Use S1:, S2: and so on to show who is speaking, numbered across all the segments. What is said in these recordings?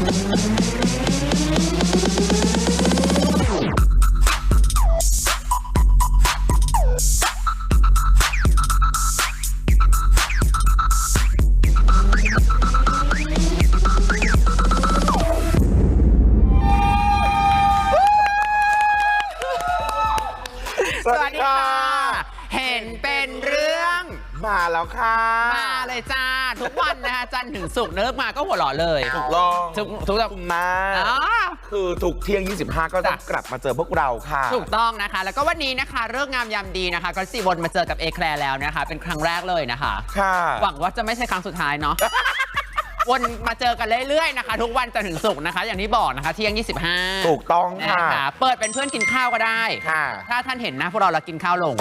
S1: สวัสดีค่ะเห็นเป็นเรื่อง
S2: มาแล้วค่ะ
S1: มาเลยจ้าทุกวันนะคะจันทร์ถึงศุกร์เลิกมาก็หัวเราะเลย
S2: ถูกต้อง
S1: ทุก
S2: มาคือทุกเที่ยง 25 ก็ต้องกลับมาเจอพวกเราค่ะ
S1: ถูกต้องนะคะแล้วก็วันนี้นะคะเลิกงามยามดีนะคะก็สี่วนมาเจอกับเอแคลร์แล้วนะคะเป็นครั้งแรกเลยนะคะ
S2: ค่ะ
S1: หวังว่าจะไม่ใช่ครั้งสุดท้ายเนาะวนมาเจอกันเรื่อยๆนะคะทุกวันจันทร์ถึงศุกร์นะคะอย่างที่บอกนะคะเที่ยง 25
S2: ถูกต้องค่ะ
S1: เปิดเป็นเพื่อนกินข้าวก็ได้ถ้าท่านเห็นนะพวกเรากินข้าวลง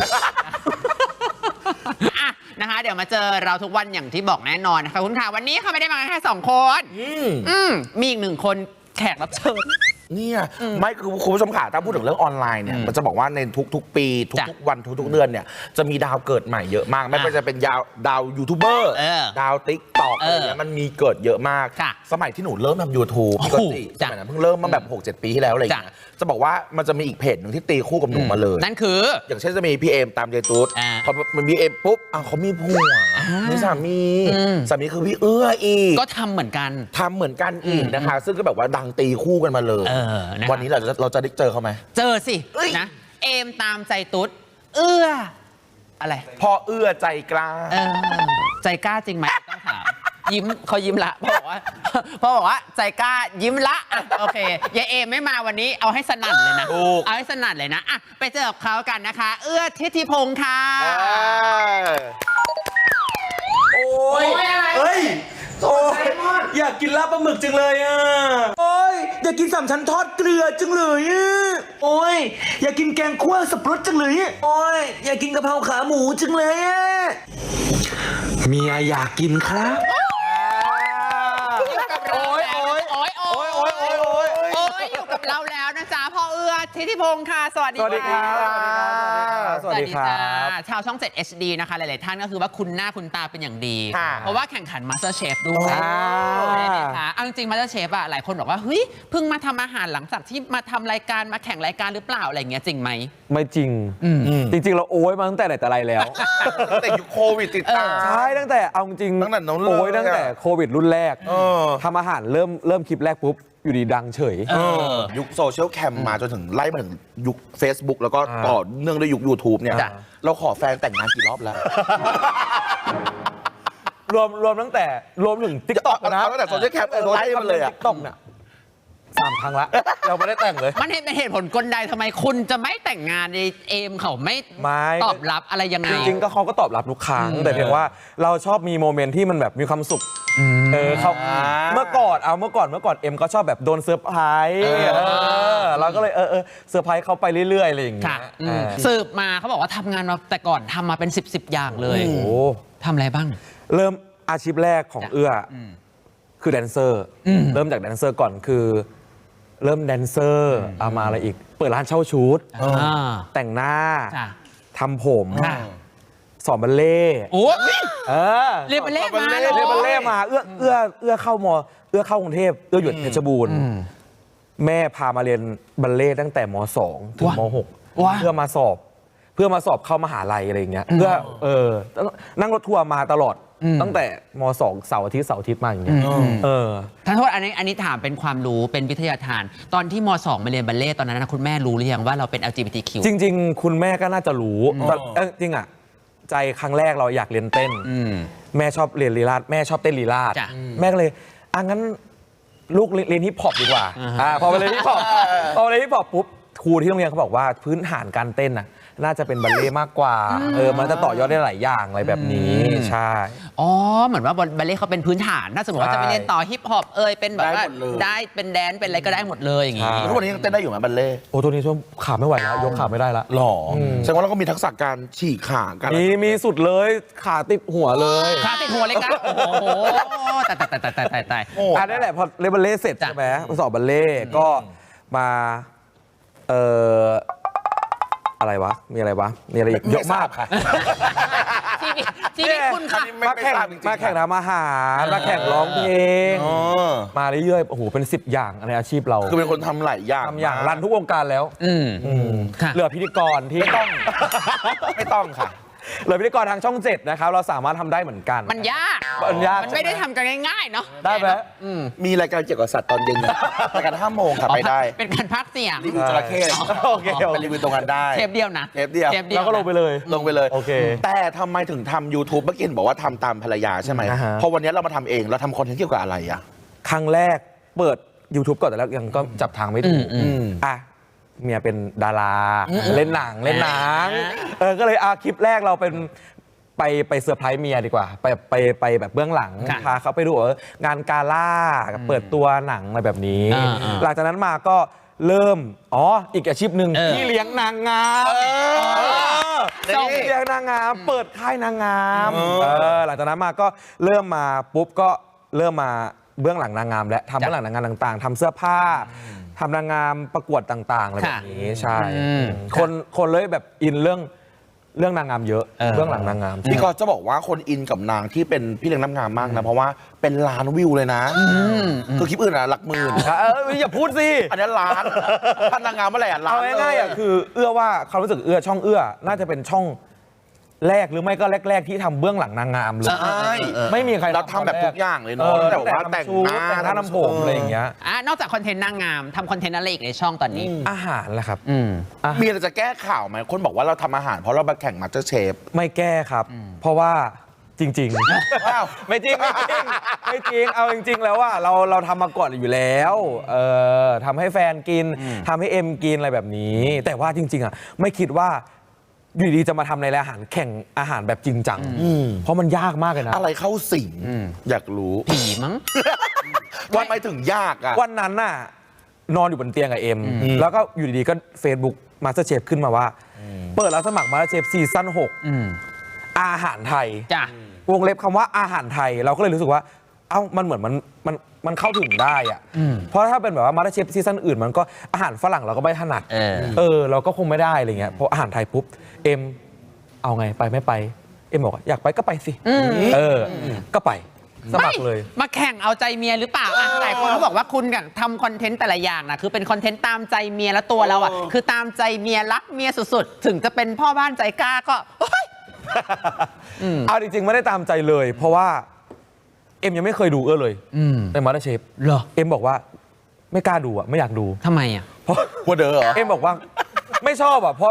S1: นะคะเดี๋ยวมาเจอเราทุกวันอย่างที่บอกแน่นอนนะคะคุณค่ะวันนี้เขาไม่ได้มาแค่2 คนมีอีก1 คนแขกรับเชิญ
S2: เนี่ยไม่คือคุณผู้ชมค่ะถ้าพูดถึงเรื่องออนไลน์เนี่ยมันจะบอกว่าในทุกๆปีทุกๆวันทุกๆเดือนเนี่ยจะมีดาวเกิดใหม่เยอะมากไม่ว่าจะเป็นดาวยูทูบเบอร์ดาวติ๊กต็อกอะไรเงี้ยมันมีเกิดเยอะมากสมัยที่หนูเริ่มทำ YouTube ปกติสมัยนั้นเพิ่งเริ่มมาแบบ 6-7 ปีที่แล้วอะไรเงี้ยจะบอกว่ามันจะมีอีกเพจหนึ่งที่ตีคู่กับหนูมาเลย
S1: นั่นคือ
S2: อย่างเช่นจะมีพี่เอมตามใจตุ๊ดพอมันมีเอมปุ๊บเขามีผัวมีสามีคือพี่เอื้ออีก
S1: ก็ทำเหมือนกัน
S2: อีกนะคะซึ่งก็แบบว่าดังตีคู่กันมาเลยวันนี้เราจะได้เจอเขาไหม
S1: เจอสินะเอมตามใจตุ๊ดเอื้ออะไร
S2: พ่อเอื้อใจกล้า
S1: ใจกล้าจริงไหมต้องถามยิ้มเขายิ้มละพ่อบอกว่าใจกล้ายิ้มละโอเคยายเอมไม่มาวันนี้เอาให้สนั่นเลยนะเอาให้สนั่นเลยนะอ่ะไปเจอกับเขากันนะคะเอื้อทิติพงษ์ค่ะ
S2: โอ้ย
S3: เฮ้ยโอ้ยอยากกินลาบปลาหมึกจังเลยอ่ะโอ้ยอยากกิน3 ชั้นทอดเกลือจังเลยอ่ะโอ้ยอยากกินแกงคั่วสับปะรดจังเลยอ่ะโอ้ยอยากกินกะเพราขาหมูจังเลยอ่ะเมียอยากกินครับ
S1: อยู่กับเราแล้วนะจ๊ะพ่อเอื้อทิติพงษ์ค่ะสวัสดีครับชาวช่อง 7 HD นะคะหลายๆท่านก็คือว่าคุณหน้าคุณตาเป็นอย่างดีเพราะว่าแข่งขัน MasterChef ด้วยนะคะเอาจริง MasterChef อะหลายคนบอกว่าเฮ้ยเพิ่งมาทำอาหารหลังจากที่มาทำรายการมาแข่งรายการหรือเปล่าอะไรเงี้ยจริงไหม
S4: ไม่จริงจริงๆเราโอ้ยมาตั้งแต่ไหนแต่ไรแล้ว
S2: ตั้งแต่ยุคโควิดติดตาม
S4: ใช่ตั้งแต่เอาจริงโอ้ยตั้งแต่โควิดรุ่นแรกทำอาหารเริ่มคลิปแรกปุ๊บอยู่ดีดังเฉย
S2: ยุคโซเชียลแคมมาจนถึงไล่มาถึงยุค Facebook แล้วก็ต่อเนื่องด้วยยุค YouTube เนี่ยเราขอแฟนแต่งงานกี่รอบแล้ว
S4: รวมตั้งแต่รวมถึง TikTok นะ
S2: ตั้งแต่โซเชียลแคมไล่มาเลยอ่ะ
S4: TikTok เนี่ย3 ครั้งละเราไม่ได้แต่งเลย
S1: มันเป็นเหตุผลกลใดทำไมคุณจะไม่แต่งงานในเอมเขาไม่ตอบรับอะไรยังไง
S4: จริงๆก็เขาก็ตอบรับทุกครั้งแต่เพียงว่าเราชอบมีโมเมนต์ที่มันแบบมีความสุขเขาเมื่อก่อนเอ็มก็ชอบแบบโดนเซอร์ไพรส์เราก็เลยเซอร์ไพรส์เขาไปเรื่อยๆอะไรอย่างเงี้ย
S1: สืบมาเขาบอกว่าทำงานมาแต่ก่อนทำมาเป็น10อย่างเลยโอ้ทำอะไรบ้าง
S4: เริ่มอาชีพแรกของเอื้อคือแดนเซอร์เริ่มจากแดนเซอร์ก่อนคือเริ่มแดนเซอร์เอามาอะไรอีกเปิดร้านเช่าชุดแต่งหน้าทำผมสอนบัลเล่
S1: เรียนบัลเล่
S4: มาเอื้อเข้ากรุงเทพเอื้ออยู่เพชรบูรณ์แม่พามาเรียนบัลเล่ตั้งแต่ม.2 ถึงม.6 เพื่อมาสอบเข้ามหาลัยอะไรอย่างเงี้ยเพื่อนั่งรถทัวร์มาตลอดตั้งแต่ม.2 เสาร์อาทิตย์มาอย่างเงี้ย
S1: ท่านโทษอันนี้ถามเป็นความรู้เป็นวิทยาทานตอนที่ม.2 มาเรียนบัลเล่ตอนนั้นนะคุณแม่รู้หรือยังว่าเราเป็น LGBTQ
S4: จริงๆคุณแม่ก็น่าจะรู้จริงอ่ะใจครั้งแรกเราอยากเรียนเต้นแม่ชอบเรียนลีลาศแม่ชอบเต้นลีลาศแม่ก็เลยงั้นลูกเรียนฮิปฮอปดีกว่าพอไปเรียนฮิปฮอปปุ๊บครูที่โรงเรียนเขาบอกว่าพื้นฐานการเต้นน่ะน่าจะเป็นบัลเล่มากกว่ามันจะต่อยอดได้หลายอย่างอะไรแบบนี้ใช่
S1: เหมือนว่าบัลเล่เขาเป็นพื้นฐานถ้าสมมติว่าจะไปเรียนต่อฮิปฮอปเป็นแบบว่าได้เป็นแดนเป็นอะไรก็ได้หมดเลยอย่างงี้
S2: ทุกวันนี้ยังเต้นได้อยู่ไหมบัลเล่
S4: ตัวนี้ช่วงขาไม่ไหวแล้วยกขาไม่ได้ละ
S2: หรอแสดงว่าเราก็มีทักษะการฉีกขากัน
S4: มีสุดเลยขาติดหัวเลย
S1: ขาติดหัวเลยครับโอ้โหตาย
S4: นั่นแหละพอเรียนบัลเล่เสร็จใช่ไหมสอบบัลเล่ก็มาอะไรวะมีอะไรอีกเยอะมากค่ะ
S1: ชีชีวิตคุณค่ะ
S4: มาแข่งทำอาหารมาแข่งร้องเพลงมาเรื่อยๆโอ้โหเป็น10 อย่างในอาชีพเรา
S2: คือเป็นคนทำหลายอย่าง
S4: ทำอย่างรันทุกวงการแล้ว
S1: ค่ะ
S4: เหลือพิธีกรที่
S2: ไม่ต้องค่ะ
S4: เหลือพิธีกรทางช่อง 7นะครับเราสามารถทำได้เหมือนกัน
S1: มันยาก
S4: มันยาก
S1: มันไม่ได้ทำกันง่ายๆเนาะ
S4: ได้ไหม
S2: มีรายการเกี่ยวกับสัตว์ตอนเย็นนะรายการ5 โมงค่ะไปได้
S1: เป็นการพักเสียง
S2: รีวิวจระเข้
S4: โอเค
S2: ไปรีวิวตรงนั้นได้
S1: เทปเดียวนะ
S2: เทปเดียว
S4: เราก็ลงไปเลย
S2: ลงไปเลย
S4: โอเค
S2: แต่ทำไมถึงทำ YouTube เมื่อกี้เห็นบอกว่าทำตามภรรยาใช่ไหม
S4: อ่าฮะ
S2: เพราะวันนี้เรามาทำเองเราทำคอนเทนต์เกี่ยวกับอะไรอะ
S4: ครั้งแรกเปิด YouTube ก่อนแต่แล้วยังก็จับทางไม่ถูกอ่ะเมียเป็นดาราเล่นหนังก็เลยคลิปแรกเราเป็นไปเซอร์ไพรส์เมียดีกว่าไปแบบเบื้องหลัง
S1: ค่ะ
S4: พาเขาไปดูงานกาล่าเปิดตัวหนังอะไรแบบนี้ หลังจากนั้นมาก็เริ่มอีกอาชีพหนึ่งที่เลี้ยงนางงามส่งเลี้ยงนางงามเปิดค่ายนางงามหลังจากนั้นมาก็เริ่มมาปุ๊บก็เริ่มมาเบื้องหลังนางงามและทำเบื้องหลังนางงามต่างๆทำเสื้อผ้าทำนางงามประกวดต่างๆอะไรแบบนี้ใช่คนเลยแบบอินเรื่องนางงามเยอะเบื้องหลังนางงาม
S2: พี่ก็จะบอกว่าคนอินกับนางที่เป็นพี่เลี้ยงน้ำงามมากนะเพราะว่าเป็นล้านวิวเลยนะคือคลิปอื่นอะหลักหมื่น
S4: อย่าพูดสิ
S2: อันนี้ล้านถ้านางงามเมื่อไหร่อะล้าน
S4: เอาง่ายๆคือว่าความรู้สึกช่องน่าจะเป็นช่องแรกหรือไม่ก็แรกๆที่ทำเบื้องหลังนางงามเลย
S2: ใช่
S4: ไม่มีใคร
S2: เราทำแบบทุกอย่างเลยเนาะแต่ว่าแต่งหน้า
S4: ทำผมอะไรอย่างเงี้ย
S1: นอกจากคอนเทนต์นางงามทำคอนเทนต์อะไรอีกในช่องตอนนี้
S4: อาหารแหละครับ
S2: มีอะไรจะแก้ข่าวไหมคนบอกว่าเราทำอาหารเพราะเราไปแข่งมาสเตอร์เชฟ
S4: ไม่แก้ครับ เพราะว่าจริงๆ
S2: ว้าว
S4: ไม่จริงเอาจริงๆแล้วว่าเราทำมาก่อนอยู่แล้วทำให้แฟนกินทำให้เอ็มกินอะไรแบบนี้ แต่ว่าจริงๆอ่ะไม่คิดว่าอยู่ดีจะมาทำในรายอาหารแข่งอาหารแบบจริงจังเพราะมันยากมากเลยนะ
S2: อะไรเข้าสิงอยากรู้
S1: ผีมั้ง
S2: ว่าไม่ถึงยากอะ
S4: วันนั้นน่ะนอนอยู่บนเตียงกับเอ็มแล้วก็อยู่ดีๆก็ Facebook MasterChef ขึ้นมาว่า เปิดรับสมัคร MasterChef ซีซั่น6อาหารไทย
S1: จ้ะ
S4: วงเล็บคำว่าอาหารไทยเราก็เลยรู้สึกว่ามันเหมือนมันเข้าถึงได้อะเพราะถ้าเป็นแบบว่า MasterChef ซีซั่นอื่นมันก็อาหารฝรั่งเราก็ไม่ถนัดเราก็คงไม่ได้อะไรเงี้ยเพราะอาหารไทยปุ๊บเอ็มเอาไงไปไม่ไปเอ็มบอกว่าอยากไปก็ไปสิก็ไปสมัครเลย
S1: มาแข่งเอาใจเมียหรือเปล่าหลายคนเขาบอกว่าคุณกับทำคอนเทนต์แต่ละอย่างนะคือเป็นคอนเทนต์ตามใจเมียแล้วตัวเราอ่ะคือตามใจเมียรักเมียสุดๆถึงจะเป็นพ่อบ้านใจกล้าก็
S4: เอาจริงๆไม่ได้ตามใจเลย เพราะว่าเอ็มยังไม่เคยดูเลยในมาสเตอร์เชฟเหรอเอ็มบอกว่าไม่กล้าดูอ่ะไม่อยากดู
S1: ทำไมอ่ะ
S4: เพราะ
S2: หัวเด้อเหรอ
S4: เอ็มบอกว่าไม่ชอบอ่ะเพราะ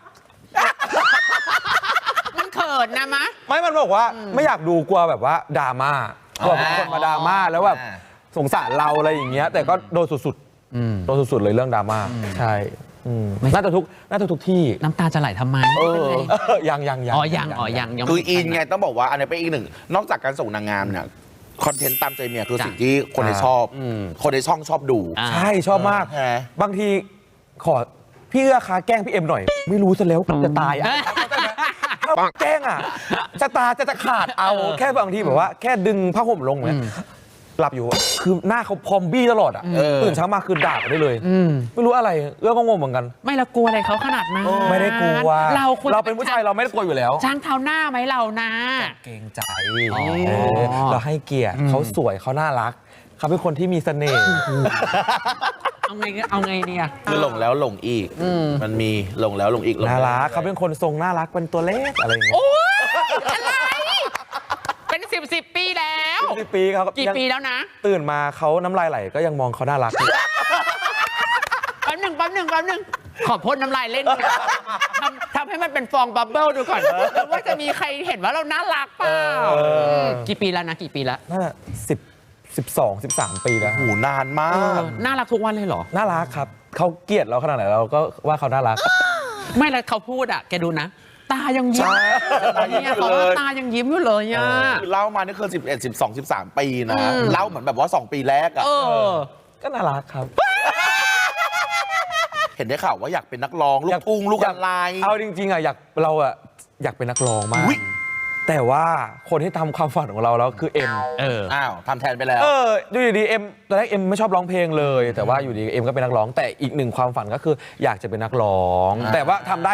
S1: มันเขินนะมะ
S4: มันบอกว่าไม่อยากดูกลัวแบบว่าดราม่ากลัวคนมาดราม่าแล้วแบบสงสารเราอะไรอย่างเงี้ยแต่ก็โดนสุดๆโดนสุดๆเลยเรื่องดราม่าใช่น่าจะทุกที่
S1: น้ำตาจะไหลทำไม
S4: ยัง
S1: ยัง
S2: คืออินไงต้องบอกว่าอันนี้เป็นอีกหนึ่งนอกจากการส่งนางงามเนี่ยคอนเทนต์ตามใจเมียคือสิ่งที่คนในชอบคนในช่องชอบดู
S4: ใช่ชอบมากบางทีขอพี่เอื้อคะแกล้งพี่เอ็มหน่อย ไม่รู้ซะแล้วจะตายอ่ะแกล้งอ่ะจะขาดเอาแค่บางทีแบบว่าแค่ดึงผ้าห่มลงเนี่ยหลับอยู่คือหน้าเขาพอมบี้ตลอดอ่ะตื่นเช้ามาคือด่าได้เลยไม่รู้อะไรเอื้อก็งงเหมือนกัน
S1: ไม่ละกลัวอะไรเขาขนาดนั้น
S4: ไม่ได้กลัว
S1: เรา
S4: เป็นผู้ชายเราไม่ได้กลัวอยู่แล้ว
S1: ช้างเท้าหน้าไหมเรานะ
S4: เกรงใจเราให้เกียรติเขาสวยเขาน่ารักเขาเป็นคนที่มีเสน่ห์
S1: เอาไงเนี่ย
S2: คือหลงแล้วหลงอีกมันมีหลงแล้วหลงอีก
S4: น่ารักเขาเป็นคนทรงน่ารักเป็นตัวเล็กอะไรอย่างเงี้ย
S1: โอ้ยอะไรเป็น10 ปีแล้ว
S4: 10 ปีเขา
S1: กี่ปีแล้วนะ
S4: ตื่นมาเขาน้ำลายไหลก็ยังมองเขาน่ารักอยู่
S1: แป๊บหนึ่งขอพ่นน้ำลายเล่นทำให้มันเป็นฟองบับเบิ้ลดูก่อนว่าจะมีใครเห็นว่าเราน่ารักเปล่ากี่ปีแล้วนะกี่ปีแล้ว
S4: น่าจะ13 ปีแล้ว
S2: หูนานมาก
S1: น่ารักทุกวันเลยเหรอ
S4: น่ารักครับเขาเกลียดเราขนาดไหนเราก็ว่าเขาน่ารัก
S1: ไม่แล้วเขาพูดอ่ะแกดูนะ ตายังยิ้มเนี่ยเขาตายังยิ้มอยู่เลยอ่ะ
S2: เล่ามานี่คือ11 12 13 ปีนะเล่าเหมือนแบบว่า2 ปีแรกอะ
S4: ก็น่ารักครับ
S2: เห็นได้ข่าวว่าอยากเป็นนักร้องลูกทุ่งลูกอะไร
S4: เอาจริงๆอ่ะอยากเป็นนักร้องมากแต่ว่าคนที่ทำความฝันของเราแล้วคือเอ็ม
S2: อ้าวทำแทนไปแล้ว
S4: ดูดีๆเอ็มตอนแรกเอ็มไม่ชอบร้องเพลงเลย แต่ว่าอยู่ดีเอ็มก็เป็นนักร้องแต่อีกหนึ่งความฝันก็คืออยากจะเป็นนักร้องแต่ว่าทำได้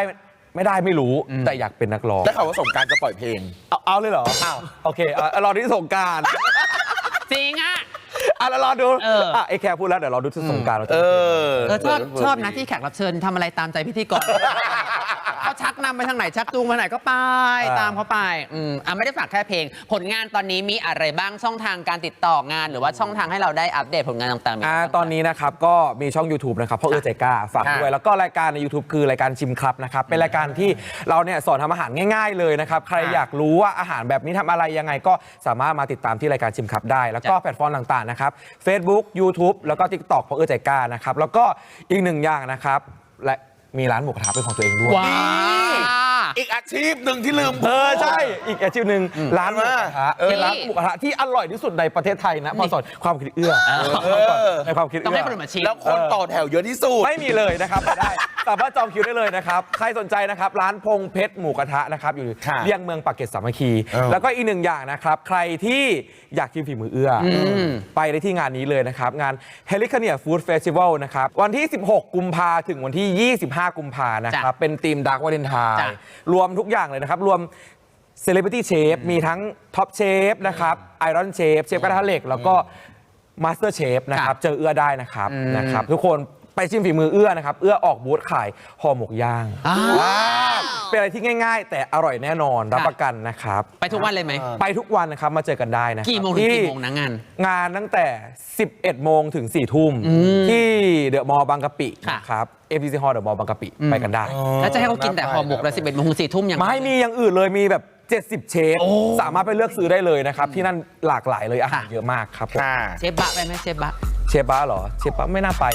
S4: ไม่ได้ไม่รู้แต่อยากเป็นนักร้อง
S2: ได้ข่าวว่าสงกรารจะปล่อยเพลง
S4: เอาเลยเหรออ้าวโอเครอที่สงกราร
S1: จริงอ่ะ
S4: แล้วรอดูไอ้แคร์พูดแล้วเดี๋ยวรอดูที่สงกรารเราจะ
S1: ชอบนะที่แขกรับเชิญทำอะไรตามใจพิธีกร เขาชักนำไปทางไหนชักจูงไปไหนก็ไปตามเขาไปไม่ได้ฝากแค่เพลง ผลงานตอนนี้มีอะไรบ้างช่องทางการติดต่องานหรือว่าช่องทางให้เราได้อัปเดตผลงานต่างๆ
S4: ตอนนี้นะครับก็มีช่อง YouTube นะครับพ่อใจกล้าฝากด้วยแล้วก็รายการใน YouTube คือรายการชิมครับนะครับเป็นรายการที่เราเนี่ยสอนทำอาหารง่ายๆเลยนะครับใครอยากรู้ว่าอาหารแบบนี้ทำอะไรยังไงก็สามารถมาติดตามที่รายการชิมครับได้แล้วก็แพลตฟอร์มต่างๆนะครับ Facebook YouTube แล้วก็ TikTok พ่อใจกล้านะครับแล้วก็อีกหนึ่งอย่างนะครับและมีร้านหมูกระทะเป็นของตัวเองด้วย
S1: ว้า
S2: อีกอาชีพหนึ่งที่ลืม
S4: ใช่อีกอาชีพหนึ่งร้านหมูกระทะเป็นร้านหมูกระทะที่อร่อยที่สุดในประเทศไทยนะพอสอนความคิดเอื้อในความคิด
S1: ต้อง
S4: เอื้
S1: ให้
S4: อ
S1: คนอื่นมาชิม
S2: แล้วคนต่อแถวเยอะที่สุด
S4: ไม่มีเลยนะครับไปได้สามารถจองคิวได้เลยนะครับใครสนใจนะครับร้านพงเพชรหมูกระทะนะครับอยู่
S2: ค่ะ
S4: เลี่ยงเมืองปากเกร็ดสามัคคีแล้วก็อีกหนึ่งอย่างนะครับใครที่อยากชิมฝีมือเอื้อไปได้ที่งานนี้เลยนะครับงาน h e l i c a n i a Food Festival นะครับวันที่ 16 กุมภาถึงวันที่ 25 กุมภานะครับเป็นทีม Dark Valentine รวมทุกอย่างเลยนะครับรวม Celebrity Chef มีทั้ง Top Chef นะครับ Iron Chef เชฟกระทะเหล็กแล้วก็ Master Chef นะครับเจอเอื้อได้นะครับทุกคนไปชิมฝีมือเอื้อนะครับเอื้อออกบูธขายห่อหมกย่างเป็นอะไรที่ง่ายๆ แต่อร่อยแน่นอนรับประกันนะครับ
S1: ไปทุกวันเลยไหม
S4: ไปทุกวันนะครับมาเจอกันได้นะครับ
S1: กี่โมงถึงกี่โมงนะงาน
S4: งานตั้งแต่ 11 โมงถึง 4 ทุ่มที่เดอะมอลล์บางกะปิ
S1: ค่ะ
S4: นะครับ FTC Hall เดอะมอลล์บางกะปิไปกันได้
S1: แล้วจะให้เขากินแต่ห่อหมกแล้ว11 โมงถึง 4 ทุ่มยัง
S4: ไม่มีอย่างอื่นเลยมีแบบ 70 เชฟสามารถไปเลือกซื้อได้เลยนะครับที่นั่นหลากหลายเลยอาหารเยอะมากครับผม
S1: เชฟบะไปไหมเชฟบะ
S4: เชฟบ้าเหรอเชฟบ้าไม่น่าไป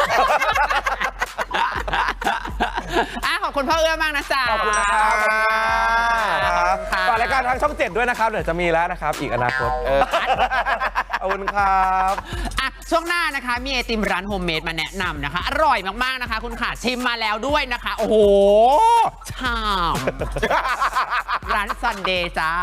S1: ขอบคุณพ่อเอื้อมากนะจ๊ะ
S4: ขอบคุณนะครับฝากรายการทางช่อง 7 ด้วยนะครับเดี๋ยวจะมีแล้วนะครับอีกอนาคตขอบคุณครับ
S1: ช่วงหน้านะคะมีไอติมร้านโฮมเมดมาแนะนำนะคะ อร่อยมากๆนะคะ คุณขาชิมมาแล้วด้วยนะคะ โอ้โหชามร้านซันเดย์จ้า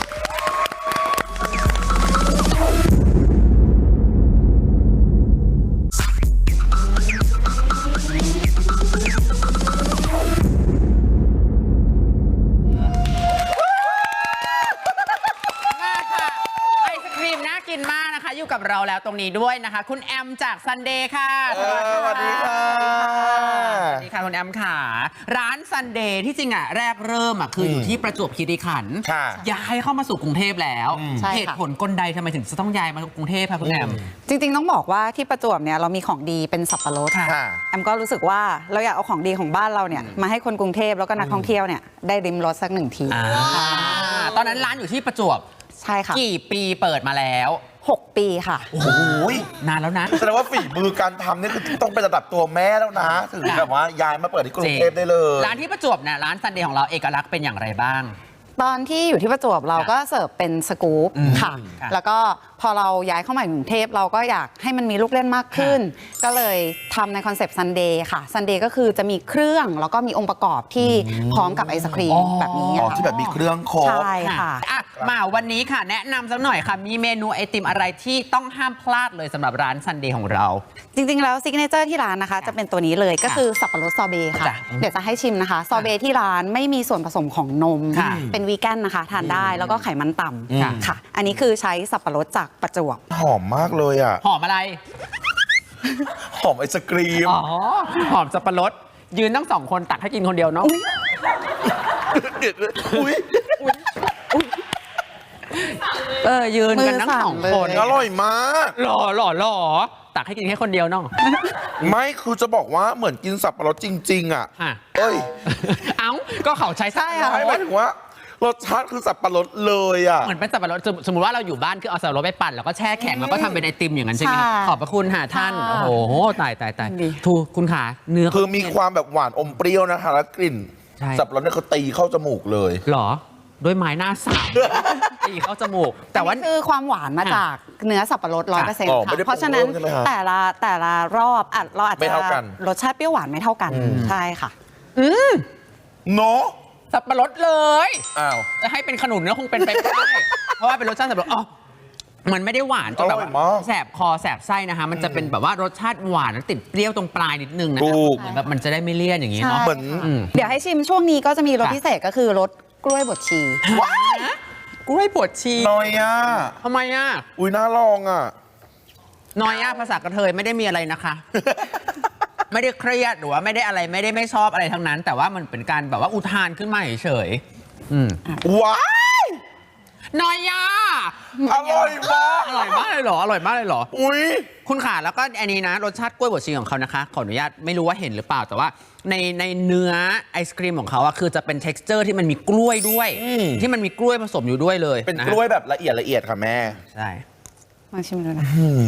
S1: กินมากนะคะอยู่กับเราแล้วตรงนี้ด้วยนะคะ คุณแอมจากซันเดย์ค่ะ
S2: สวัสดีค่ะ
S1: สวัสดีค่ะคุณแอมค่ะร้านซันเดย์ที่จริงแรกเริ่มคืออยู่ที่ประจวบคีรีขันธ์ย้ายเข้ามาสู่กรุงเทพแล้วเหตุผลกลใดทำไมถึงจะต้องย้ายมากรุงเทพค่ะคุณแอม
S5: จริงๆต้องบอกว่าที่ประจวบเนี่ยเรามีของดีเป็นสับปะรดแอมก็รู้สึกว่าเราอยากเอาของดีของบ้านเราเนี่ยมาให้คนกรุงเทพแล้วก็นักท่องเที่ยวเนี่ยได้ริมรสสักหนึ่งที
S1: ตอนนั้นร้านอยู่ที่ประจวบ
S5: ใช่ค่ะ
S1: กี่ปีเปิดมาแล้ว
S5: 6 ปีค่ะ
S2: โอ้โห
S1: นานแล้วนะ
S2: แสดงว่าฝีมือการทำนี่คือต้องเป็นระดับตัวแม่แล้วนะถึงแบบว่าย้ายมาเปิดที่กรุงเทพได้เลย
S1: ร้านที่ประจวบเนี่ยร้านซันเดย์ของเราเอกลักษณ์เป็นอย่างไรบ้าง
S5: ตอนที่อยู่ที่ประจวบเราก็เสิร์ฟเป็นสกู๊ปค่ะแล้วก็พอเราย้ายเข้ามาอยู่กรุงเทพเราก็อยากให้มันมีลูกเล่นมากขึ้นก็เลยทำในคอนเซปต์ซันเดย์ค่ะซันเดย์ก็คือจะมีเครื่องแล้วก็มีองค์ประกอบที่พร้อมกับไอศครีมแบบนี้
S2: ที่แบบมีเครื่องครบ
S5: ใช่ค่ะ
S1: มาวันนี้ค่ะแนะนำสักหน่อยค่ะมีเมนูไอติมอะไรที่ต้องห้ามพลาดเลยสำหรับร้านซันเดย์ของเรา
S5: จริงๆแล้วซิกเนเจอร์ที่ร้านนะคะจะเป็นตัวนี้เลยก็คือสับปะรดซอเบต์ค่ะเดี๋ยวจะให้ชิมนะคะซอเบต์ที่ร้านไม่มีส่วนผสมของนมเป็นวีแกนนะคะทานได้แล้วก็ไขมันต่ำค่ะอันนี้คือใช้สับปะรดจากประจวบ
S2: หอมมากเลยอ่ะ
S1: หอมอะไร
S2: หอมไอศกรีม
S1: หอมสับปะรดยืนทั้งสองคนตักให้กินคนเดียวเนาะยืนกันทั้งสองคน
S2: อร่อยมาก
S1: หล่อตักให้กินแค่คนเดียวเนาะ
S2: ไม่คือจะบอกว่าเหมือนกินสับปะรดจริงๆอ่ะเอ้ย
S1: ก็เขาใช้ไส้
S2: ไม่หมายถึงว่ารสชาติคือสับปะรดเลยอ่ะ
S1: เหมือนเป็นสับปะรดสมมติว่าเราอยู่บ้านคือเอาสับปะรดไปปั่นแล้วก็แช่แข็งแล้วก็ทำเป็นไอติมอย่างนั้นใช่ไหมขอบพระคุณค่ะท่านโอ้โหตายทูคุณขาเนื้อ
S2: คือมีความแบบหวานอมเปรี้ยวนะคะแล้วกลิ่นสับปะรดเนี่ยเขาตีเข้าจมูกเลย
S1: หรอด้วยไม้หน้าสามตีเข้าจมูก
S5: แต่ว่าคือความหวานมาจากเนื้อสับปะรด 100%ค่ะเพราะฉะนั้นแต่ละรอบเราอาจจะรสชาติเปรี้ยวหวานไม่เท่ากันใช่ค่ะ
S2: เนาะ
S1: สับปะรดเลยจะให้เป็นขนุนก็คงเป็นไปไม่ได้เพราะว่าเป็นรสชาติสับปะรดมันไม่ได้หวานจนแบบ
S2: อร่อยมาก
S1: แสบคอแสบไส้นะคะ มันจะเป็นแบบว่ารสชาติหวานแล้วติดเปรี้ยวตรงปลายนิดนึงนะ
S2: ถู
S1: คะ
S2: ก
S1: เหมือนแบบมันจะได้ไม่เลี่ยนอย่างนี้
S5: ใช่
S1: เนาะ
S2: เหมือน
S5: เดี๋ยวให้ชิมช่วงนี้ก็จะมีรส
S1: ค่ะ
S5: พิเศษก็คือรสกล้วยบดชี
S1: กล้วยบดชี
S2: นอยอ่ะ
S1: ทำไมอ่ะ
S2: อุ้ยน่าลองอ่ะ
S1: นอยภาษากระเทยไม่ได้มีอะไรนะคะ ไม่ได้เครียดหรือว่าไม่ได้อะไรไม่ได้ไม่ชอบอะไรทั้งนั้น แต่ว่ามันเป็นการแบบว่าอุทานขึ้นมาเฉยๆ
S2: ว้าย
S1: นอยยา
S2: อร่อยมาก
S1: อร่อยมากเลยเหรออร่อยมากเลยเหรอ
S2: อุ้ย
S1: คุณขาแล้วก็อันนี้นะรสชาติกล้วยบดชีของเขานะคะขออนุญาตไม่รู้ว่าเห็นหรือเปล่าแต่ว่าในเนื้อไอศครีมของเขาอะคือจะเป็น t e x t อร์ที่มันมีกล้วยด้วย ที่มันมีกล้วยผสมอยู่ด้วยเลย
S2: เป็น
S1: นะ
S2: กล้วยแบบละเอียดค่ะแม่
S1: ใช่
S5: มาชิมดูนะ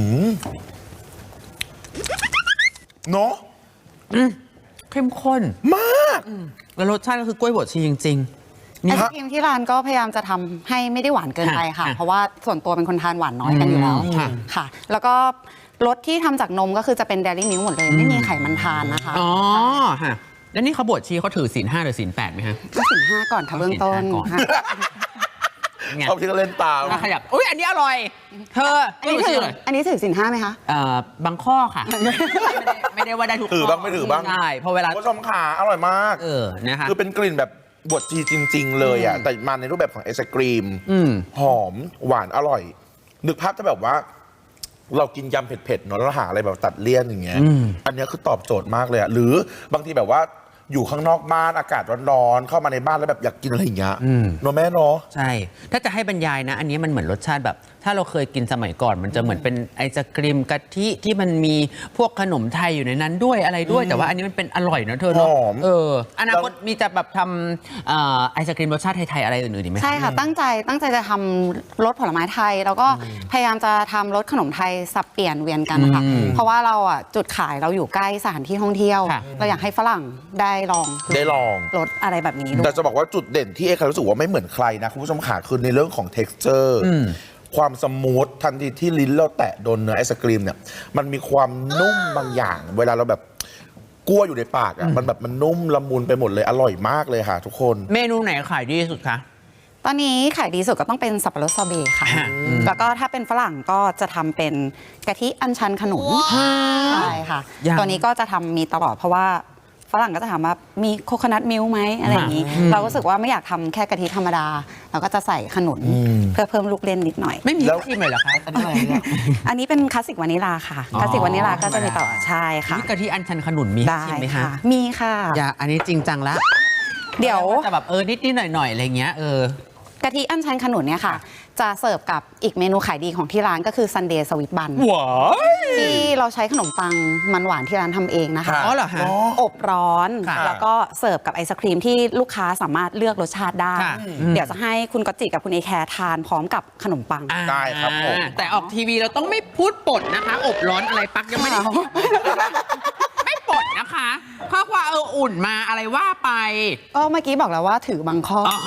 S2: เนาะ
S1: เข้มข้น
S2: มาก
S1: แล้วรสชาติก็คือกล้วยบดชีจริงๆ
S5: ไอ
S1: นี่
S5: ศครีมที่ร้านก็พยายามจะทำให้ไม่ได้หวานเกินไปค่ะ
S1: ค่ะ
S5: เพราะว่าส่วนตัวเป็นคนทานหวานน้อยกันอยู่แล้ว
S1: ค่ะ
S5: ค่ะ แล้วก็รสที่ทำจากนมก็คือจะเป็น Dairy Milk หมดเลย ไม่มีไขมันทานนะคะ
S1: อ๋อฮะแล้วนี่เขาบดชีเขาถือศีล5หรือศีล8ไหมฮะ
S5: ก็สินห้าก่อนค่ะเบื้องต้น
S1: ศีลห้าก่อน
S5: ค่ะ
S1: ไง
S2: เอาที่ก็เล่นตาม
S1: น่าขยับอุ้ยอันนี้อร่อย เธอ
S5: อันนี้ถืออันนี้ถือสินห้าไหมคะ
S1: บางข้อค่ะ ไม่ได้ว่าได้ทุกข้
S2: ถือบ้างไม่ถือบ้าง
S1: ใช่เพราะเวลา
S2: คุณผู้ชมขาอร่อยมาก
S1: นะคะ
S2: คือเป็นกลิ่นแบบบดชีจริง ๆ เลยอ่ะ แต่มาในรูปแบบของไอศกรีม หอมหวานอร่อย นึกภาพจะแบบว่า เรากินยำเผ็ดๆเนอะแล้วหาอะไรแบบตัดเลี่ยนอย่างเงี้ย อันเนี้ยคือตอบโจทย์มากเลยอ่ะ หรือบางทีแบบว่าอยู่ข้างนอกบ้านอากาศร้อนๆเข้ามาในบ้านแล้วแบบอยากกินอะไรอย่างเงี้ยเนอะแม่เนาะ
S1: ใช่ ถ้าจะให้บรรยายนะ อันนี้มันเหมือนรสชาติแบบ ถ้าเราเคยกินสมัยก่อน มันจะเหมือนเป็นไอศกรีมกะทิที่มันมีพวกขนมไทยอยู่ในนั้นด้วยอะไรด้วย แต่ว่าอันนี้มันเป็นอร่อยนะเธอเนาะ
S2: หอม
S1: อนาคตมีจะแบบทำไอศกรีมรสชาติไทยๆอะไรอื่นๆอีกไหม
S5: ใช่ค่ะ ตั้งใจจะทำรสผลไม้ไทย แล้วก็พยายามจะทำรสขนมไทยสับเปลี่ยนเวียนกันค่ะ เพราะว่าเราอ่ะจุดขายเราอยู่ใกล้สถานที่ท่องเที่ยว
S1: ค่ะ
S5: เราอยากให้ฝรั่งได้ลอง
S2: ได้ลอง
S5: รสอะไรแบบนี้ด้ว
S2: แต่
S5: ย
S2: จะบอกว่าจุดเด่นที่เอกรู้สึกว่าไม่เหมือนใครนะ คุณผู้ชมขาคือในเรื่องของ texture ความสมูททันทีที่ลิ้นเราแตะโดนเนื้อไอศกรีมเนี่ยมันมีความนุ่มบางอย่าง เวลาเราแบบกลัวอยู่ในปากอ่ะมันแบบมันนุ่มละมุนไปหมดเลยอร่อยมากเลยค่ะ ทุกคน
S1: เมนูไหนขายดีที่สุดคะ
S5: ตอนนี้ขายดีสุดก็ต้องเป็นสับปะรดซอเบต์ค่ะ แล้วก็ถ้าเป็นฝรั่งก็จะทำเป็นกะทิอัญชันขนุนใช่ค่ะ
S1: ยัง
S5: ตัวนี้ก็จะทำมีตลอดเพราะว่าฝรั่งก็จะถามว่ามีโคโคนัทมิลค์ไหมอะไรอย่างนี้ เราก็รู้สึกว่าไม่อยากทำแค่กะทิธรรมดา เราก็จะใส่ขนุนเพื่อเพิ่มลูกเล่นนิดหน่อย
S1: ไม่มี
S2: แล้ว
S1: ครีมเลยเหรอคะอันนี้อะไรเนี่ย
S5: อันนี้เป็นคลาสสิกวานิลาค่ะ
S1: อ๋อ
S5: คลาสสิกวานิลาก็จะมีต่อใช่ค่ะ
S1: นี่กะทิอัญชันขนุนมีให้
S5: ได้
S1: ชิมไหม
S5: ค่ะ
S1: คะ
S5: มีค่ะ
S1: อย่าอันนี้จริงจังละ
S5: เดี๋ยว
S1: แต่แบบนิดๆหน่อยๆอะไรเงี้ย
S5: กะทิอัญชันขนุนเนี่ยค่ะ จะเสิร์ฟกับอีกเมนูขายดีของที่ร้านก็คือซันเดย์สวิตบัน
S1: ว้า
S5: ที่เราใช้ขนมปังมันหวานที่ร้านทำเองนะคะ
S1: อ๋อเหรอฮะ
S5: อบร้อน
S1: ค่ะ
S5: แล้วก็เสิร์ฟกับไอศครีมที่ลูกค้าสามารถเลือกรสชาติได้
S1: ค่ะ
S5: เดี๋ยวจะให้คุณก๊อตจิกับคุณเอแคร์ทานพร้อมกับขนมปัง
S2: ได้ครับผม
S1: แต่ออกทีวีเราต้องไม่พูดปดนะคะ อบร้อนอะไรปักยังไม่ได้ ไม่ปดนะคะเพราะว่าอุ่นมาอะไรว่าไป
S5: ก็เมื่อกี้บอกแล้วว่าถือบางข้ออ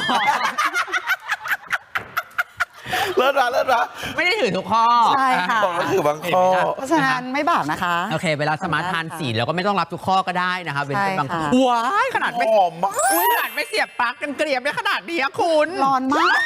S2: เลิศละเลิศละ
S1: ไม่ได้ถือทุกข้อ
S5: ใช่ค่ะ
S2: บอกแล้วคือบางข้อ
S5: เพราะฉะนั้นไม่บาปนะคะ
S1: โอเค เวลาสมาทานสีเราก็ไม่ต้องรับทุกข้อก็ได้นะคะเว้นเป็นบางข้อ
S5: ใช่ค่ะ
S1: ว้ายขนาดไม่
S2: หอมมาก
S1: อุ๊ยขนาดไม่เสียบปลั๊กกันเกลียบได้ขนาดนี้อะคุณ
S5: ร้อนมาก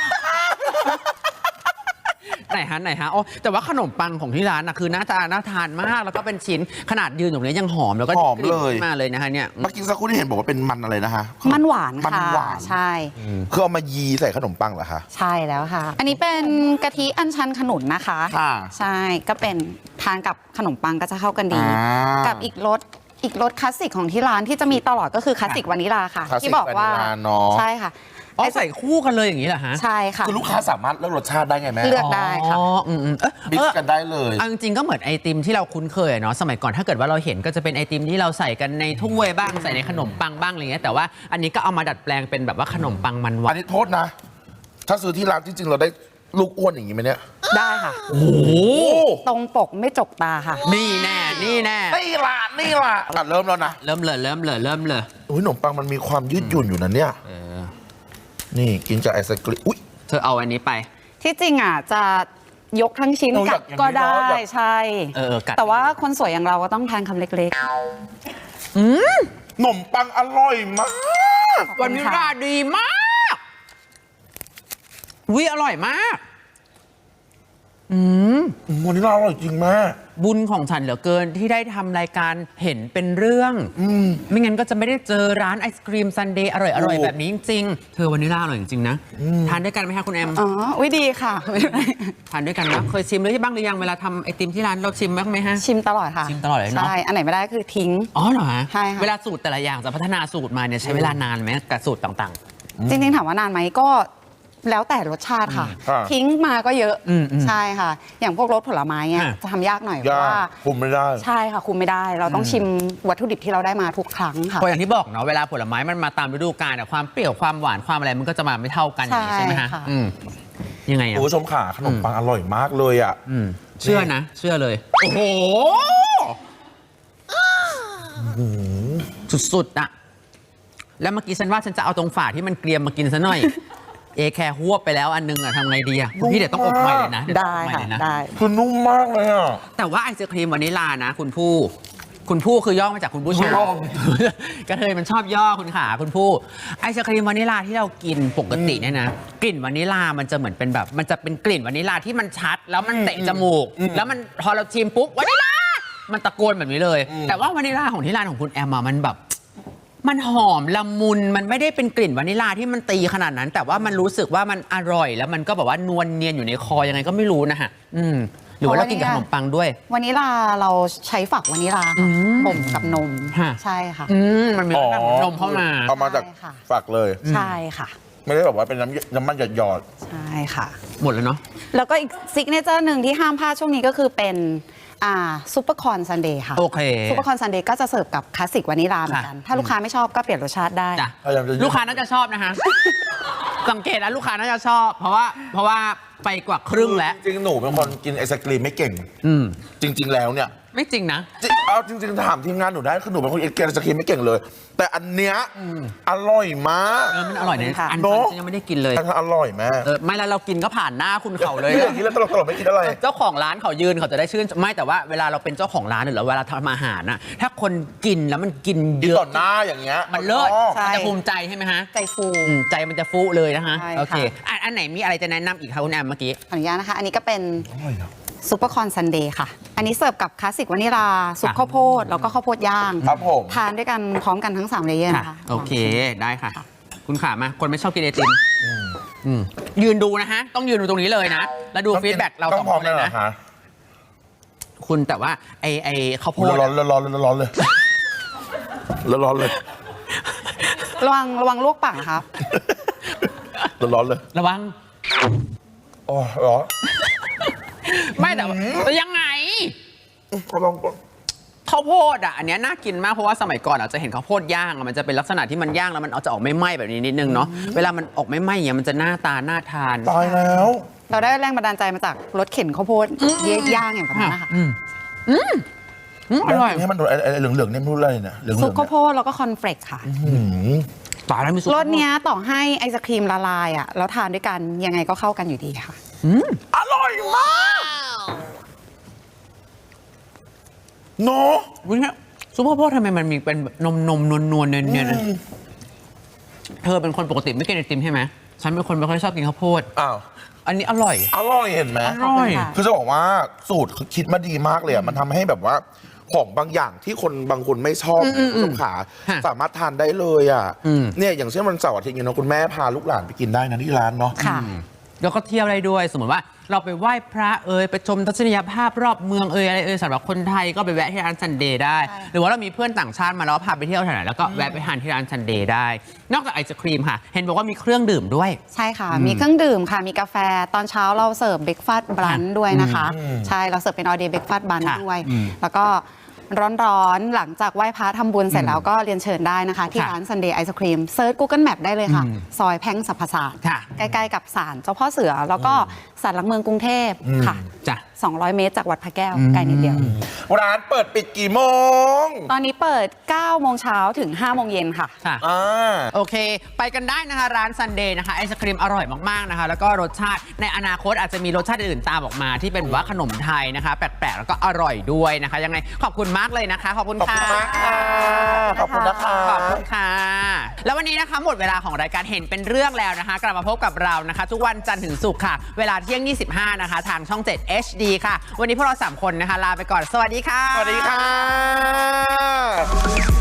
S1: ไหนฮะโอ้แต่ว่าขนมปังของที่ร้านนะคือหน้าตาน่าทานมากแล้วก็เป็นชิ้นขนาดยืนอยู่เนี้ยยังหอมแล้วก็
S2: หอม
S1: กลิ่น
S2: เลย
S1: ขึ้นมาเลยนะคะเนี่ย
S2: เมื่อกี้สักครู่ที่เห็นบอกว่าเป็นมันอะไรนะคะ
S5: มันหวาน
S2: มัน
S5: ค่ะ
S2: หวาน
S5: ใช่
S2: คือเอามายีใส่ขนมปังเหรอคะ
S5: ใช่แล้วค่ะ อันนี้เป็นกะทิอัญชันขนุนนะคะ
S2: ค่ะ
S5: ใช่ก็เป็นทานกับขนมปังก็จะเข้ากันดี กับอีกรสคลาสสิกของที่ร้านที่จะมีตลอดก็คือคลาสสิกวานิลาค่ะ
S2: คลาสสิก
S5: ที่บอกว่า
S2: วานิลาเนอะ
S5: ใช่ค่ะ
S1: อ๋อใส่คู่กันเลยอย่างนี้เหรอฮะ
S5: ใช่ค่ะ
S2: คือลูกค้าสามารถเลือกรสชาติได้ไงแม่
S5: เลือกได้ค่ะ
S1: อ๋อ
S2: บิ๊
S1: เออ
S2: กันได้เลย
S1: เอาจริงๆก็เหมือนไอติมที่เราคุ้นเคยอะเนาะสมัยก่อนถ้าเกิดว่าเราเห็นก็จะเป็นไอติมที่เราใส่กันในถ้วยบ้างใส่ในขนมปังบ้างอะไรเงี้ยแต่ว่าอันนี้ก็เอามาดัดแปลงเป็นแบบว่าขนมปังมันหวา
S2: อั
S1: น
S2: นนี้โทษนะ ถ้าซื้อที่ร้านจริงๆ เราได้ลูกอ้วนอย่างนี้ไหมเนี่ย
S5: ได้ค่ะ
S1: โอ้
S5: ตรงปกไม่จกตาค่ะ
S1: นี่แน่นี่แน่
S2: นี่ล่ะนี่ล่ะอ่ะเริ่มแล้วนะ
S1: เริ่มเลย
S2: อุ้ยขนมปังมันมีความยืดหยุ่นอยู่นะเนี่ย นี่กินกับไอศกรีมอุ้ย
S1: เธอเอาอันนี้ไป
S5: ที่จริงอ่ะจะยกทั้งชิ้น
S2: เราอยา
S5: กั
S2: ก
S5: ด
S2: อย่างนี้
S5: ก็ได้
S2: เนอะอยาก
S5: ใช่
S1: กัด
S5: แต่ว่าคนสวยอย่างเราก็ต้องทานคำเล็ก
S2: ขนมปังอร่อยมาก
S5: ๆ
S1: วันนี้ราดีมากวิอร่อยมาก
S2: วันนี้เราอร่อยจริงมาก
S1: บุญของฉันเหลือเกินที่ได้ทำรายการเห็นเป็นเรื่องไม่งั้นก็จะไม่ได้เจอร้านไอศครีมซันเดย์อร่อยๆแบบนี้จริงๆเธอวานิลลาอร่อยจริงๆนะทานด้วยกันไหมคะคุณแอม
S5: อ๋ออุ๊ยดีค่ะ
S1: ทานด้วยกันนะเคยชิมหรือบ้างหรือยังเวลาทำไอติมที่ร้านเราชิมบ้างไหมฮะ
S5: ชิมตลอดค่ะ
S1: ชิมตลอดเลยเนอะ
S5: ใช่อันไหนไม่ได้คือทิ้ง
S1: อ๋อเหรอฮะ
S5: ใช่ค่ะ
S1: เวลาสูตรแต่ละอย่างจะพัฒนาสูตรมาเนี่ยใช้เวลานานไหมกับสูตรต่าง
S5: จริงๆถามว่านานไหมก็แล้วแต่รสชาติค่ะ ทิ้งมาก็เยอะใช่ค่ะ อย่างพวกรสผลไม้เนี่ยจะทำยากหน่อยเพ
S2: ยา
S5: ราะ
S2: ก
S5: ว่า
S2: คุมไม่ได้
S5: ใช่ค่ะคุมไม่ได้ เราต้องชิมวัตถุดิบที่เราได้มาทุกครั้ง
S1: ๆ
S5: ค่ะ
S1: เพราะอย่างที่บอกเนาะเวลาผลไม้มันมาตามฤดูกาลอะความเปรี้ยวความหวานความอะไรมันก็จะมาไม่เท่ากันอย่างนี้ใช่ไหมฮะ
S5: ใช่ค่ะ
S1: ยังไงอะ
S2: คุณผู้ชมขาขนมปังอร่อยมากเลยอ่ะ
S1: เชื่อนะ เชื่อเลย โอ้โห สุดๆอะแล้วเมื่อกี้ฉันว่าฉันจะเอาตรงฝาที่มันเกรียมมากินซะหน่อย เอแคร์หวบไปแล้วอันนึงอะทำไงดีอะพี่เดี๋ยวต้องอบใหม่เลยนะเยวต้อง
S5: ได้
S1: อบใหม่
S5: ค่ะ
S1: เลยนะ
S5: ได้
S2: คือนุ่มมากเลยอ่ะ
S1: แต่ว่าไอศครีมวานิลลานะคุณผู้คือย่อมาจากคุณผู้ชาย
S2: ย่อ
S1: กระเทยมันชอบย่อคุณขาคุณผู้ไอศครีมวานิลลาที่เรากินปกติเนี่ยนะกลิ่นวานิลลามันจะเหมือนเป็นแบบมันจะเป็นกลิ่นวานิลลาที่มันชัด แล้วมันเตะจมูก แล้วมันพอเราชิมปุ๊บวานิลลามันตะโกนแบบนี้เลย แต่ว่าวานิลลาของที่ร้านของคุณแอมอะมันแบบมันหอมละมุนมันไม่ได้เป็นกลิ่นวานิลลาที่มันตีขนาดนั้น แต่ว่ามันรู้สึกว่ามันอร่อยแล้วมันก็แบบว่านวลเนียนอยู่ในคอยังไงก็ไม่รู้นะฮะหรือว่าเรากินกับขนมปังด้วย
S5: วานิลลาเราใช้ฝักวานิลลาค่ะบ่มกับนม
S1: ฮะ
S5: ใช่ค่ะ
S1: มันมีรสชาติของนมเข้ามา
S2: เอามาจาก
S5: ใช่ค่ะ
S2: ฝักเลย
S5: ใช่ค่ะ
S2: ไม่ได้แบบว่าเป็นน้ำมันหยอด
S5: ใช่ค่ะ
S1: หมดแล้วเนาะ
S5: แล้วก็อีกซิกเนเจอร์หนึ่งที่ห้ามพลาดช่วงนี้ก็คือเป็นซุปเปอร์คอร์นซันเดย์ค่ะ
S1: โอเค
S5: ซุปเปอร์คอร์นซันเดย์ก็จะเสิร์ฟกับคลาสสิกวานิลลาเหมือนกัน ถ้าลูกค้าไม่ชอบก็เปลี่ยนรสชาติได้
S1: จ้ะ
S2: พยายามจะ
S1: ลูกค้าน่าจะชอบนะคะ สังเกตแล้วลูกค้าน่าจะชอบ เพราะว่าไปกว่าครึ่งแล้ว
S2: จริงๆหนูเป็นคนกินไอศกรีมไม่เก่ง จริง ๆ แล้วเนี่ย
S1: ไม่จริงนะ
S2: เอาจริงๆถามทีมงานหนูได้คือหนูเป็นคนกินไอศกรีมไม่เก่งเลย แต่อันเนี้ยอร่อยมาก
S1: มันอร่อยนะ
S5: ค่ะ
S1: อัน
S2: เนอะ
S1: ฉันยังไม่ได้กินเลย
S2: อันอร่อยมาก
S1: ไม่แล้วเรากินก็ผ่านหน้าคุณเขาเลย
S2: อย่างนี้แล้วตลกๆไม่กินอะไร
S1: เจ้าของร้านเขายืนเขาจะได้ชื่นไม่แต่ว่าเวลาเราเป็นเจ้าของร้านหรือเวลาทำอาหารนะถ้าคนกินแล้วมันกินเย
S2: กิน
S1: อะ
S2: ต่อหน้าอย่างเงี้ย
S1: มันเลิศ
S5: ใช่
S1: มันจะภูมิใจใช่ไหมฮะ
S5: ใจฟู
S1: ใจมันจะฟูเลยนะคะ
S5: ใช่
S1: โอเค
S5: ค่ะ
S1: อันไหนมีอะไรจะแนะนำอีกคะคุณแอมเมื่อกี้
S5: ขออนุญาตนะคะ อันนี้ก็เป็น
S2: อร่อยนะ
S5: ซุปเปอร์คอร์นซันเดย์ค่ะ อันนี้เสิร์ฟกับคลาสสิกวานิลลาซุปข้าวโพดแล้วก็ข้าวโพดย่าง
S2: ครับผม
S5: ทานด้วยกันพร้อมกันทั้ง3เลเยอร์
S1: ค่ะ
S5: นะคะ
S1: โอเคได้ค่ะ คุณขามาคนไม่ชอบกินไอติมยืนดูนะฮะ ต้องยืนดูตรงนี้เลยนะ แล้วดูฟีดแบ็กเรา
S2: ต้องพร้อม
S1: เล
S2: เลย
S1: ย
S2: เหร
S1: นะ
S2: อคะ
S1: คุณแต่ว่าไอข้าวโพด
S2: ร้อนร้อนร้อนเลยร้อนเลย
S5: ระวังลวกปากนะครับ
S2: ร้อนเลย
S1: ระวัง
S2: อ๋อร้อน
S1: ไม่แต่ว่ายังไง
S2: ลอง
S1: ข้าวโพดอ่ะอันเนี้ยน่ากินมากเพราะว่าสมัยก่อนเราจะเห็นข้าวโพดย่างอะมันจะเป็นลักษณะที่มันย่างแล้วมันเอาจะออกไม่ไหม้แบบนี้นิดนึงเนาะเวลามันออกไม่ไหม้อย่างเงี้ยมันจะหน้าตาน่าทาน
S2: ตายแล้ว
S5: เราได้แรงบันดาลใจมาจากรถเข็นข้าวโพดย่างอย่างแบบนั้นนะคะ
S1: อร่อย
S2: นี่มันไอ้เหลืองๆเนี่ยไม่รู้อะไรเนี่ยเหลืองๆ
S5: ซุป
S2: เนี่ย
S5: ข้าวโพดแล้วก็คอนเฟลกค่ะ
S1: ตายแล้วมีซุป
S5: รสเนี้ยต่อให้ไอศครีมละลายอ่ะแล้วทานด้วยกันยังไงก็เข้ากันอยู่ดีค่ะ
S2: อร่อยมากเนาะ
S1: วุ้ยซุปข้าวโพดทำไมมันมีเป็นนมนวลๆเนียนๆเธอเป็นคนปกติไม่กินไอติมใช่ไหมฉันเป็นคนไม่ค่อยชอบกินข้าวโพด
S2: อ้าว
S1: อันนี้อร่อย
S2: อร่อยเห็นไหม
S1: อร่อย
S5: ขอบคุณค่ะ
S2: คือจะบอกว่าสูตรคิดมาดีมากเลยอ่ะมันทำให้แบบว่าของบางอย่างที่คนบางคนไม่ชอบคุณผู้ชมขา
S1: ฮะ
S2: สามารถทานได้เลยอ่ะ
S1: อืม
S2: เนี่ยอย่างเช่นวันเสาร์อาทิตย์เนี่ยเนาะคุณแม่พาลูกหลานไปกินได้นะที่ร้านเนาะ
S5: ค่ะ
S1: แล้วก็เที่ยวได้ด้วย สมมติว่าเราไปไหว้พระไปชมทัศนียภาพรอบเมืองอะไรสำหรับคนไทยก็ไปแวะที่ร้านซันเดย์ได้
S5: ใช่
S1: หรือว่าเรามีเพื่อนต่างชาติมาแล้วพาไปเที่ยวแถวไหนแล้วก็แวะไปทานที่ร้านซันเดย์ได้ นอกจากไอศครีมค่ะ เห็นบอกว่ามีเครื่องดื่มด้วย
S5: ใช่ค่ะ มีเครื่องดื่มค่ะ มีกาแฟ ตอนเช้าเราเสิร์ฟเบรกฟาสต์บรันด้วยนะคะ ใช่ เราเสิร์ฟเป็นออเดย์เบรกฟาสต์บรัน
S1: ค่ะ
S5: ด้วย แล้วก็ร้อนๆ หลังจากไหว้พระทำบุญเสร็จแล้วก็เรียนเชิญได้นะคะ ที่
S1: ค่ะ
S5: ร้าน Sunday Ice Cream เซิร์ช Google Map ได้เลยค่ะ ซอยแพ่งสรรพศาสตร์
S1: ค่ะ
S5: ใกล้ๆกับศาลเจ้าพ่อเสือ แล้วก็ศาลหลักเมืองกรุงเทพค่ะ
S1: จ้ะ
S5: 200 เมตรจากวัดพระแก้วไกลนิดเดียว
S2: ร้านเปิดปิดกี่โมง
S5: ตอนนี้เปิด 9 โมงเช้าถึง 5 โมงเย็นค่ะ
S1: ค่ะโอเค ไปกันได้นะคะร้านซันเดย์นะคะไอศครีมอร่อยมากๆนะคะแล้วก็รสชาติในอนาคตอาจจะมีรสชาติอื่นตามออกมาที่เป็นว่าขนมไทยนะคะแปลกๆแล้วก็อร่อยด้วยนะคะยังไงขอบคุณมากเลยนะคะขอบคุณค่ะ
S2: ขอบคุณนะคะ
S1: ขอบคุณค่ะ แล้ววันนี้นะคะหมดเวลาของรายการเห็นเป็นเรื่องแล้วนะคะ กลับมาพบกับเรานะคะ ทุกวันจันทร์ถึงศุกร์ค่ะ เวลาเที่ยง 25 นะคะ ทางช่อง 7 HD ค่ะ วันนี้พวกเรา 3 คนนะคะ ลาไปก่อน สวัสดีค่ะ
S2: สวัสดีค่ะ